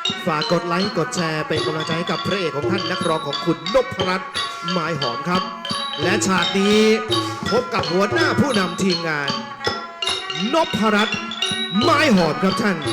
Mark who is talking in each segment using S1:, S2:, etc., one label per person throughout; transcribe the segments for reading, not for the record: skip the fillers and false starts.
S1: ฝากกดไลค์กดแชร์เป็นกำลังใจให้กับพระเอกของท่านนักร้องของคุณนพรัตน์ไม้หอมครับ และฉากนี้พบกับหัวหน้าผู้นำทีมงานนพรัตน์ไม้หอมครับท่าน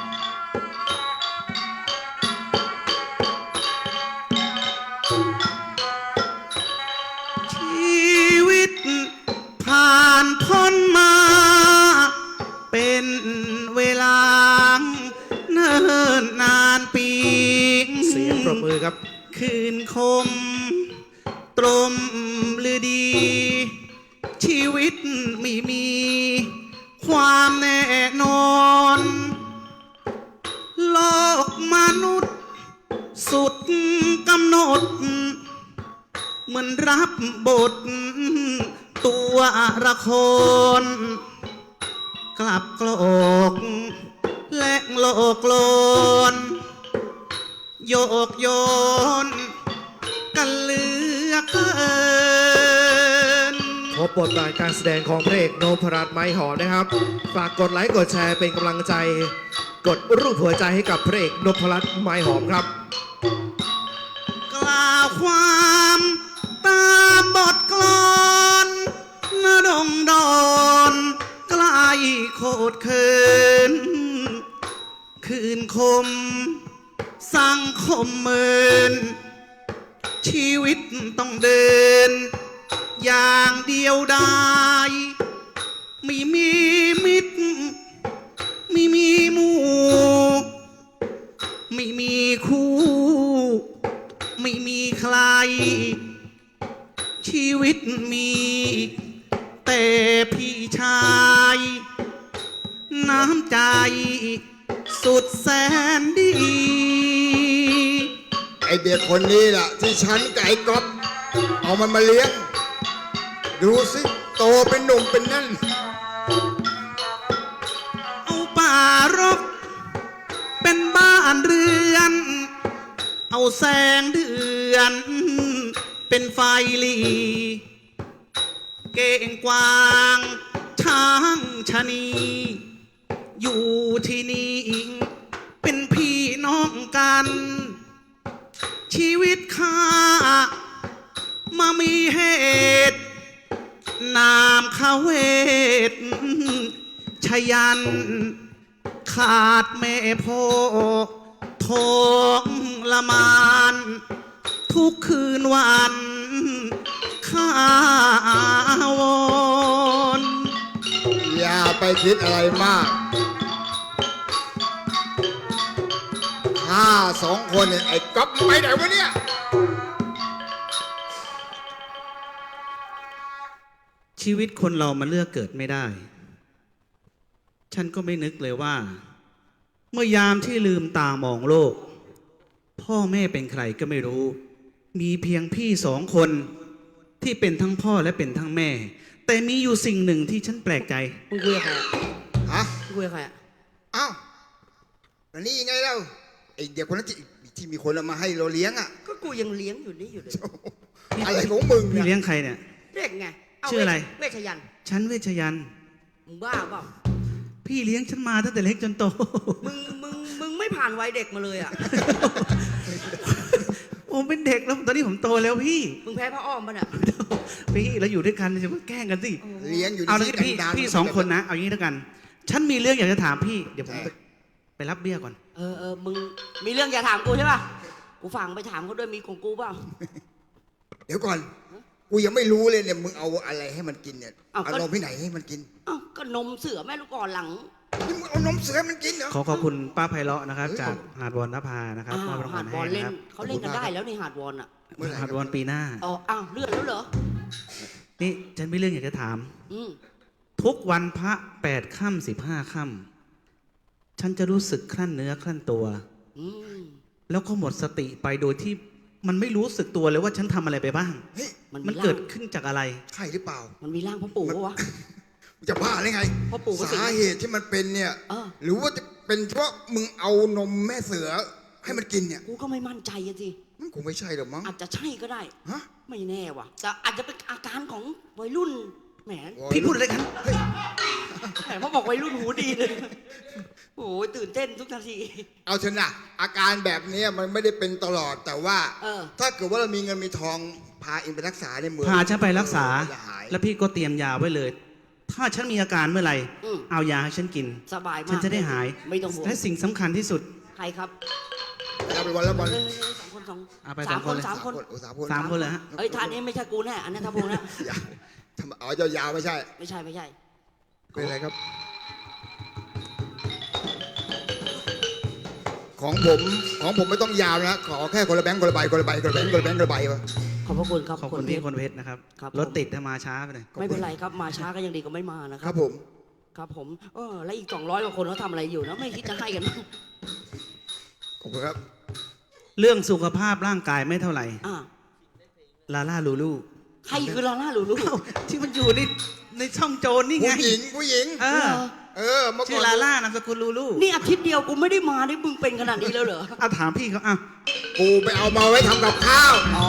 S2: ชีวิตผ่านพ้นมาเป็นเวลาเนิ่นนานปี
S1: เสียงปรบมือครับ
S2: คืนคมตรมหรือดี ชีวิตไม่มีความแน่นอนโลกมนุษย์สุดกำหนดเหมือนรับบทตัวละครกลับโกรกและโลกโลนโยกโยนกันเหลือเกิน
S1: พบบทบาทการแสดงของพระเอกนพรัตน์ไม้หอมนะครับฝากกดไลค์กดแชร์เป็นกำลังใจกดรูปหัวใจให้กับพระเอกนพรัตน์ไม้หอมครับ
S2: กล่าวความตามบทกลอนนดงดอนใกล้โคตรเคินคืนคมสังคมเมินชีวิตต้องเดินอย่างเดียวดายไม่มีมิตรไม่มีหมู่ไม่มีคู่ไม่มีใครชีวิตมีแต่พี่ชายน้ำใจสุดแสนดี
S3: ไอเด็กคนนี้ล่ะที่ฉันกับไอ้ก๊อฟเอามันมาเลี้ยงดูสิโตเป็นหนุ่มเป็นนั่น
S2: เอาป่ารกเป็นบ้านเรือนเอาแสงเดือนเป็นไฟลีเก่งกวางช้างชะนีอยู่ที่นี่เป็นพี่น้องกันชีวิตข้ามามีเหตุนามเขาเวทชยันขาดแม่พ่อท้องละมานทุกคืนวันข้าวอน
S3: อย่าไปคิดอะไรมากข้าสองคนเนี่ยไอ้ก๊อฟไปไหนวะเนี่ย
S2: ชีวิตคนเรามันเลือกเกิดไม่ได้ฉันก็ไม่นึกเลยว่าเมื่อยามที่ลืมตามองโลกพ่อแม่เป็นใครก็ไม่รู้มีเพียงพี่สองคนที่เป็นทั้งพ่อและเป็นทั้งแม่แต่มีอยู่สิ่งหนึ่งที่ฉันแปลกใจ
S4: มึงคุยกับใครอะ
S3: ฮะ
S4: มึงคุยกับใครอะ
S3: อ้าวแล้วนี่ยังไงเล่าไอ้เด็กคนนั้นที่มีคนเอามาให้เราเลี้ยงอ่ะ
S4: ก็กูยังเลี้ยงอยู่นี่อยู่เลย
S3: อะไรของมึง
S2: พี่
S3: เนี่ย
S2: เลี้ยงใครเนี่ย
S4: เด็กไง
S2: ชื่ออะไร
S4: เวชยันต์
S2: ฉันเวชยันต์
S4: มึงบ้าเปล่า
S2: พี่เลี้ยงฉันมาตั้งแต่เล็กจนโต
S4: มึงไม่ผ่านวัยเด็กมาเลยอ่ะ
S2: ผมเป็นเด็กแล้วตอนนี้ผมโตแล้วพี่
S4: มึงแพ้พระอ้อมป่ะเนี่ย
S2: พี่เราอยู่ด้วยกันจะมาแกล้งกันสิ
S3: เลี้ยงอยู่
S2: เอาแล้วพี่สองคนนะเอาอย่างนี้แล้วกันฉันมีเรื่องอยากจะถามพี่เดี๋ยวผมไปรับเบี้ยก่อน
S4: มึงมีเรื่องอยากถามกูใช่ป่ะกูฟังไปถามเขาด้วยมีของกูเปล่า
S3: เดี๋ยวก่อนกูยังไม่รู้เลยเนี่ยมึงเอาอะไรให้มันกินเนี่ยเอานมที่ไหนให้มันกิน
S4: ก็นมเสือแม่ลูกอ่อนหลัง
S3: นี่มึงเอานมเสือมันกินเหรอ
S2: ขอบคุณป้าไพเราะนะครับจากหาดวอนนภานะครับมอบรางวัลให้
S4: นะครับเขาเล่นกันได้แล้วในหาดวอนอ่ะ
S2: หาดวอนปีหน้า
S4: เลื่อนแล้วเหรอ
S2: นี่ฉันมีเรื่องอยากจะถามทุกวันพระ8 ค่ำ15 ค่ำฉันจะรู้สึกคลั่นเนื้อคลั่นตัวแล้วก็หมดสติไปโดยที่มันไม่รู้สึกตัวเลยว่าฉันทำอะไรไปบ้างมันเกิดขึ้นจากอะไร
S3: ใช่หรือเปล่า
S4: มันมีร่างพ่อปู่ปะวะ
S3: จะบ้าได้ไง
S4: พ่อปู่
S3: สาเหตุที่มันเป็นเนี่ยหรือว่าจะเป็นเพราะมึงเอานมแม่เสือให้มันกินเนี่ย
S4: กูก็ไม่มั่นใจสิ
S3: มันคงไม่ใช่หรอกมั้ง
S4: อาจจะใช่ก็ได้
S3: ฮะ
S4: ไม่แน่ว่ะแต่อาจจะเป็นอาการของวัยรุ่นแหม
S2: พี่พูดอะไรกัน
S4: แหมพอบอกวัยรุ่นหูดีเลย โอ้ยตื่นเต้นทุกนาที
S3: เอาเถอะนะอาการแบบนี้มันไม่ได้เป็นตลอดแต่ว่า
S4: เออ
S3: ถ้าเกิดว่าเรามีเงินมีทองพาเองไปรักษาในเมือง
S2: พาฉันไปรักษา
S3: จะหาย
S2: แล้วพี่ก็เตรียมยาไว้เลย ถ้าฉันมีอาการเมื่อไหร่
S4: อืม
S2: เอายาให้ฉันกิน
S4: สบายมาก
S2: ฉันจะได้หาย
S4: ไม่ต้องห่วง
S2: และสิ่งสำคัญที่สุด
S4: ใครครับ
S3: เอาไปวันละวัน
S4: เฮ้ยสองคนสอง
S2: เอาไป
S4: สาม
S2: สองคนเลย
S4: สามคน
S3: โอ้สามคน
S2: 3 คนเลยฮะ
S4: เอ้ยท่านนี้ไม่ใช่กูแน่อันนั้นท่าพงนะ
S3: อย่าทำเอายาวๆไม่ใช่
S4: ไม่ใช่ไม่ใช่
S3: เป็นไรครับ ของผมไม่ต้องยาวนะขอแค่คนละแบงค์คนละใบคนละใบคนละแบงค์คนละแบงค์คนละใบวะ
S4: ขอบพระคุณครับ
S2: ขอบคุณพี่คนเพชรนะครับ
S4: ครับ
S2: รถติดถ้ามาช้าไปหน่อย
S4: ไม่เป็นไรครับมาช้าก็ยังดีกว่าไม่มานะค
S3: ค
S4: รั
S3: รับ บผม
S4: ครับผมแล้วอีก200กว่าคนเขาทำอะไรอยู่นะไม่คิดจะให้กันมั้ง
S3: ขอบคุณครับ
S2: เรื่องสุขภาพร่างกายไม่เท่าไหร่
S4: อ่า
S2: ลาล่าลูลู
S4: ใครคือลาล่าหลูลู
S2: เอ้าที่มันอยู่ในช่องโจรนี่ไง
S3: ผู้หญิง
S2: เออ
S3: เมื่อ
S2: ชื่
S3: ก่
S2: อ
S3: อน
S2: ลาล่านามสกุลลูลู
S4: นี่อาทิตย์เดียวกูไม่ได้มาได้มึงเป็นขนาดนี้แล้วเหรอ
S2: เอาถามพี่เขาอ่ะ
S3: กูไปเอามาไว้ทำกับข้าว
S4: อ๋อ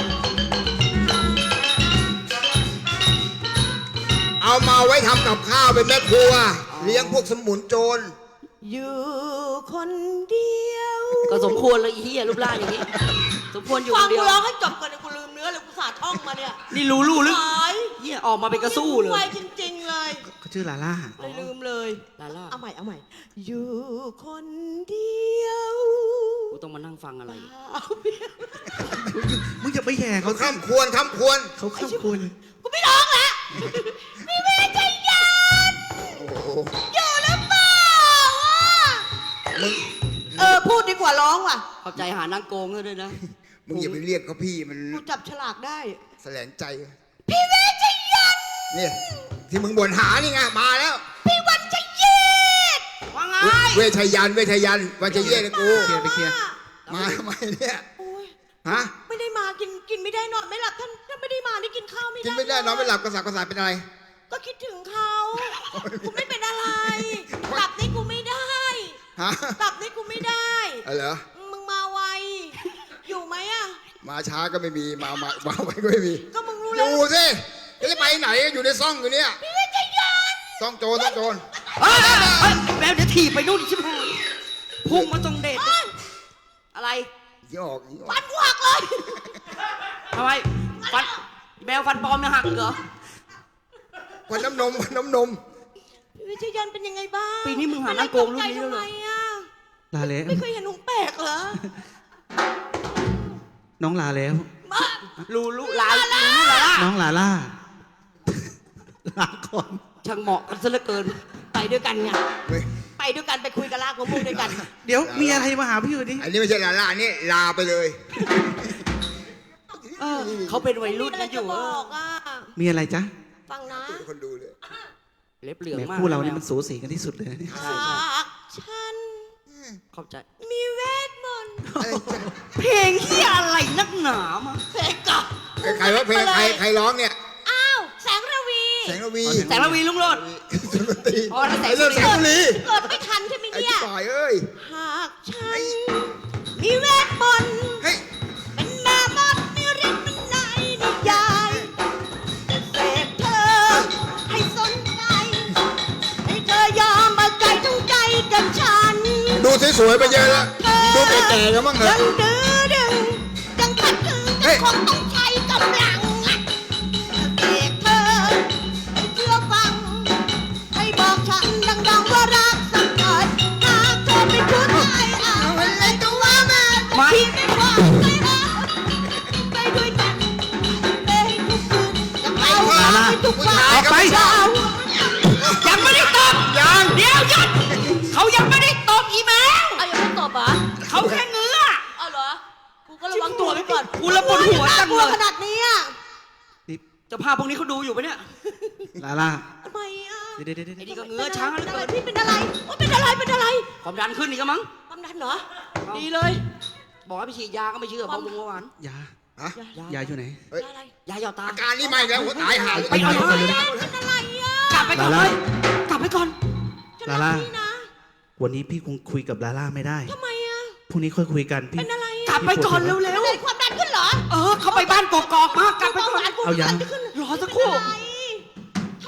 S3: เอามาไว้ทำกับข้าวเป็นแม่ครัว เลี้ยงพวกสมุนโจร
S5: อยู่คนเดียว
S4: ก็สมควรเลยไอ้เฮียรูปร่างอย่างนี้สมควรอยู่ค
S5: ฟัง
S4: นเดี
S5: กู
S4: ยว
S5: ร้องให้จบก่อนเดี๋ยวกูลืมเนื้อเลยกูสาท่องมาเนี่ย
S4: นี่ลูลูหรือ
S5: หาย
S4: เฮียออกมาเป็นกระสู้เลย
S5: ไวจริงๆเลย
S2: เขาชื่อลาล่า
S5: เลยลืมเลย
S4: ลาล่า
S5: เอาใหม่เอาใหม่ อยู่คนเดียว
S4: กูต้องมานั่งฟังอะไร
S2: มึงอย่าไปแย่เขา
S3: เขาข้ามควรข้ามควร
S2: เขาข้ามคุณ
S5: กูไม่ร้องละมีเวทยาน
S3: โอ้โห
S5: อยู่หรือเปล่าอ่ะ
S3: มึง
S5: พูดดีกว่าร้องว่ะ
S4: ขอบใจหานั่งโกงด้วยนะ
S3: มึงอย่าไปเรียกเขาพี่มัน
S5: กูจับฉลากได้
S3: แสลงใจ
S5: พี่เวทยาน
S3: เนี่ยที่มึงบ่นหานี่ไงมาแล้ว
S5: พี่วันชยีด
S4: ว่าไง
S3: เวชยันต์วันจะเย่เลยกู
S2: เคลียร์ไปเคลียร์
S3: มาทำไมเนี่ย
S5: โอ้ย
S3: ฮะ
S5: ไม่ได้มากินไม่ได้นอนไม่หลับท่านไม่ได้มานี่กินข้าวไม่ได้
S3: กินไม่ได้นอนไม่หลับกระสับกระส่ายเป็นอะไร
S5: ก็คิดถึงเขากูไม่เป็นอะไรหลับนี่กูไม่ได้
S3: ฮะ
S5: หลับนี่กูไม่ได้
S3: อะไรเหรอ
S5: มึงมาไวอยู่ไหมอะ
S3: มาช้าก็ไม่มีมาไว้ก็ไม่มี
S5: ก็มึงรู้
S3: อ
S5: แล้ว
S3: ยู่สิจะไปไหนอยู่ในซ่องอยู่เนี่ย
S5: พี่วิทยาน
S3: ซ่องโจร
S4: เฮ้ยแมวเดี๋ยวถีบไปนู่นใช่ไหมพุ่งมาตรงเดชอะไร
S3: ยี่ออก
S5: ฟันกูหักเลย
S4: ทำไมฟันแมวฟันปลอมเนี่ยหักเหรอ
S3: วันน้ำนม
S5: พี่วิทยานเป็นยังไงบ้าง
S4: ปีนี้มึงหานั่งโกงรุ่นนี้แล้วเหรอ
S5: ทำไมอะ
S2: ลาแล้ว
S5: ไม่เคยเห็นหนุ่มแปลกเหรอ
S2: น้องลาแล้ว
S5: มา
S4: ลูลาล่า
S2: น้องลาล่า ลาก่อน
S4: ช่างเหมาะกันซะเหลือเกิน
S5: ไปด้วยกันไง
S3: เฮ้ย
S5: ไปด้วยกันไปคุยกับลากมะม่วงด้วยกัน
S2: เดี๋ยวมีอะไรมาหาพี่อยู่ดิ
S3: อันนี้ไม่ใช่ลานี่ลาไปเลย
S4: เขาเป็นวัยรุ่น
S5: มีอะไร
S4: นะอ
S5: จะ
S4: ยู่
S5: บอกอะ
S2: มีอะไรจ๊ะ
S5: ฟังนะ
S3: คนดูเลย
S4: เล็บเหลือง
S2: แหม
S4: มาก
S2: คู่เรานี่มันสูสีกันที่สุดเลยนะเนี่ย
S4: ใช่ใช่
S5: หากฉัน
S4: เข้าใจ
S5: มีเวทมนต์
S4: เพลงที่อะไรนักหนามา
S5: เพลงกับ
S3: ใครว่าเพลงใครร้องเนี่ย
S5: อ้าวแสงระวี
S3: แสงระวี
S4: แสงระวีลุงโรด
S3: สุนทรี
S4: อ๋อแล้วแสง
S3: ไอ้เรื่องแสงระวี
S5: เกิดไม่ทันใช่ไหม
S3: ไอ้
S5: เนี่ย
S3: ที่ปล่อยเอ้ย
S5: หากฉันมีเวทมนต์
S3: เฮ้ย
S5: เป็นแม่มดมีฤทธิ์เป็นนายนิยายจะเสกเธอให้สนใจให้เธอยอมมาใจทั้งใจกับฉัน
S3: ดูสวยๆไปเยอะแล้วดูแก่ๆกันบ้างเหรอ
S5: ยังดื้อดึงยังขัดขืน
S3: เฮ้
S5: ยัง
S3: ย
S5: คงต้องใช้กำลังอะเสกเธอให้เชื่อฟัง ให้บอกฉันดังๆว่ารักสักหน่อยหากเธอไม่พูดให้เอาอะไรก็ว่ามาพี่ไม่ว่าไม่ว่าไปด้วยกันไปให้ทุกคืนกับเราให้ทุกวัน
S2: ออกไป
S5: เช้า
S4: ยังไม่ได้ตบยังเดี๋ยวหยุดเขายังไม่ได้ตบอีแมว
S5: เอาอย่าเพิ่งตบเหรอ
S4: เขาแค่เงื้อ
S5: เอาเหรอกูก็ระวังตัวไว้ก่อน
S4: กูระปวดหัวจังเลย
S5: น่ากลัวขนาดนี้อะ
S2: นี่
S4: เจ้าภาพพวกนี้เขาดูอยู่ปะเนี่ย
S2: ลาล่า
S5: ทำไมอ่ะ
S2: เดี๋ยวเดี๋ยวเดี๋ยว
S4: ไอ้
S2: เดี๋ยว
S4: นี่ก็เงื้อช้าเหลือเกิน
S5: พี่เป็นอะไรว่าเป็นอะไรเป็นอะไร
S4: ความดันขึ้นอีกแล้วมั้ง
S5: ความดันเหรอ
S4: ดีเลย บอกให้ไปฉีดยาก็ไม่เชื่อเพราะลุงเมื่อวาน
S2: ยา
S3: ฮะ
S2: ยาอยู่ไหน
S3: เฮ้ย
S5: อะไร
S4: ยาหยอดตา
S3: อาการนี้ไม่แล้วหัวตายหาเลย
S4: ไปเอา
S2: ไป
S4: ไป
S2: เลย
S5: เป็นอะไรอ่ะ
S4: กลับไปก่อน
S2: ลา
S4: เล
S2: ล่า
S4: ยกลับไปก่อน
S5: จะ
S2: ลาล่า
S5: รักพี่นะ
S2: วันนี้พี่คงคุยกับลาล่าไม่ได้
S5: ทำไมอ่ะ
S2: พรุ่งนี้ค่อยคุยกันพี่
S5: เป็นอะไร
S4: กลั
S5: อ่ะ
S4: บไปก่อนเร็ว
S5: เป็นอะไรความดันขึ้นเหรอ
S4: ๆเขาไปบ้านกอกๆมากลับไปก่อน
S5: ความดัน
S2: เอายัง
S5: ขึ้น
S4: รอสักครู่
S5: เป็นอะไร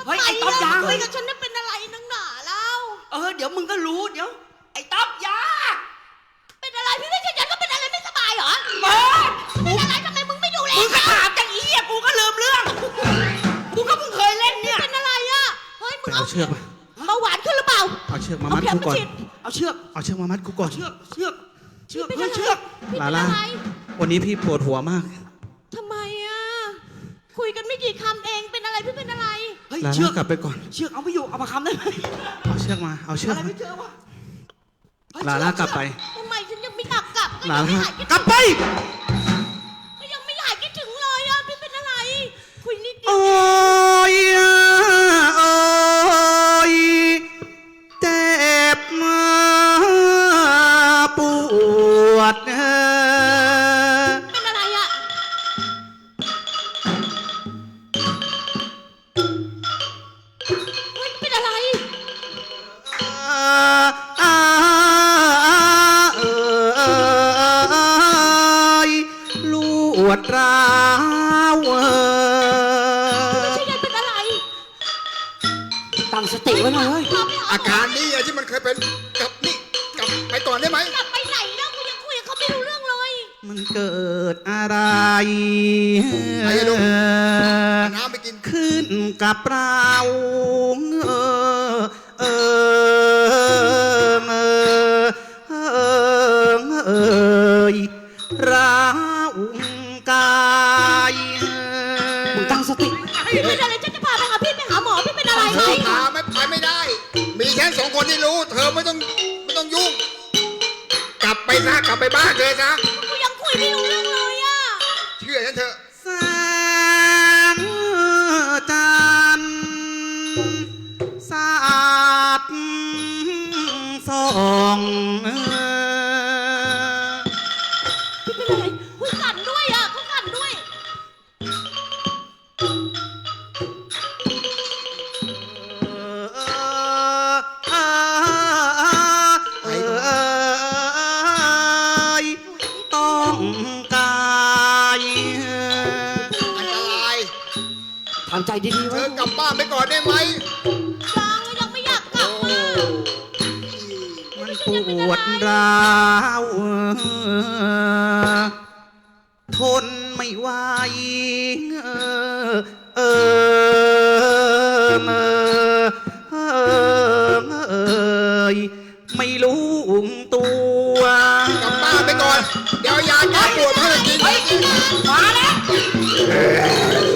S4: เฮ้ยไอ้ต๊อบยา
S5: คุยกับฉันนี่เป็นอะไรนังหนาเล่า
S4: เดี๋ยวมึงก็รู้เดี๋ยวไอ้ต๊อบยา
S5: เป็นอะไรพี่ไม่ใช่ฉันก็เป็นอะไรไม่สบายเหรอ
S4: เปิด
S5: เป็นอะไรทำไมมึงไม่ดูแล
S4: มึงก็ถามจังอีอ่ะกูก็ลืมเรื่องกูก็เพิ่งเคยเล่นเนี่ย
S5: เป็นอะไรอ่ะเฮ้ยมึง
S2: เอาเชือกมา
S5: เบาหวานขึ้นหรือเปล่า
S2: เอาเชือกมามัด
S5: เข็
S2: กูก่อน
S5: ฉีด
S4: เอาเชือก
S2: เอาเชือกมามัดกูก่อน
S4: เชือก
S5: เป็น
S4: เฮ้
S5: อะ
S4: ย
S5: ไร
S4: เชือก
S5: พี่
S2: ลา
S5: เป็น
S2: ล่า
S5: อะไร
S2: วันนี้พี่ปวดหัวมาก
S5: ทำไมอ่ะคุยกันไม่กี่คำเองเป็นอะไรพี่เป็นอะไร
S4: เฮ้ย
S2: ลา
S4: เชือ
S2: ล่าก กลับไปก่อน
S4: เชือกเอาไม่อยู่เอามาคำได้ไหม
S2: เอาเชือกมา เอาเชือก
S4: อะไร
S2: มา
S4: ไม่เจอวะเฮ้ย
S2: ลาล่ากลับไป
S5: ทำไมฉันยังไม่อยากกลับ
S2: ลา
S5: ก็ยังไม่
S2: ล่า
S5: หายคิด
S2: กลับไป
S5: ก็ยังไม่หายคิดถึงเลยอ่ะพี่เป็นอะไร คุยนิดเดี
S2: โอ้
S5: ยวย
S2: โอ้ยเจ็บมาปวด
S5: เป็นอะไรอ่ะเฮ้ยเป็นอะไร
S2: ลวดร้าว
S5: ไม่ใช่ยายเป็นอะไร
S4: ตั้งสติไว้หน่อยเฮ้ย
S5: พาไปหา
S3: อาการนี้อะที่มันเคยเป็นกลับนี่กลับไปก่อนได้ไหม
S5: กลับไปไหนแล้วกูยังคุยกับเขาไม่รู้เรื่องเลย
S2: มันเกิดอะไร
S3: ไอ้ลูก เอาน้ำไปกิน
S2: ขึ้นกับเราเอร้าวกาย
S4: มึงตั้งสติ
S5: พี่เป็นอะไรฉันจะพาไปหาพี่ไปหาหมอพี่เป็นอะไร
S3: เธ
S5: ไหม
S3: อพาไม่ไปไม่ได้ มีแค่สองคนที่รู้ เธอไม่ต้องยุ่ง กลับไปซะกลับไปบ้านเธอซะ
S5: กูยังคุยไม่รู้เรื่องเลยอ่ะ
S3: เชื่อฉันเถอะ
S2: แสงจันทร์สาดส่อง
S5: พี่เป็นอะไรคุยกันด้วยอ่ะคุยกันด้วย
S2: ต้องกาย
S3: อันตราย
S4: ทำใจดีๆ
S3: เธ
S4: ไว้
S3: อกลับบ้านไปก่อนได้ไหม
S5: ยังไม่อยากกลับมา
S2: มันปวดร้าวทนไม่ไหวเอไม่รู้ตัว
S3: กลับบ้านไปก่อน เดี๋ยวยาแก้ปวดมาให้กิน
S4: มาแล้ว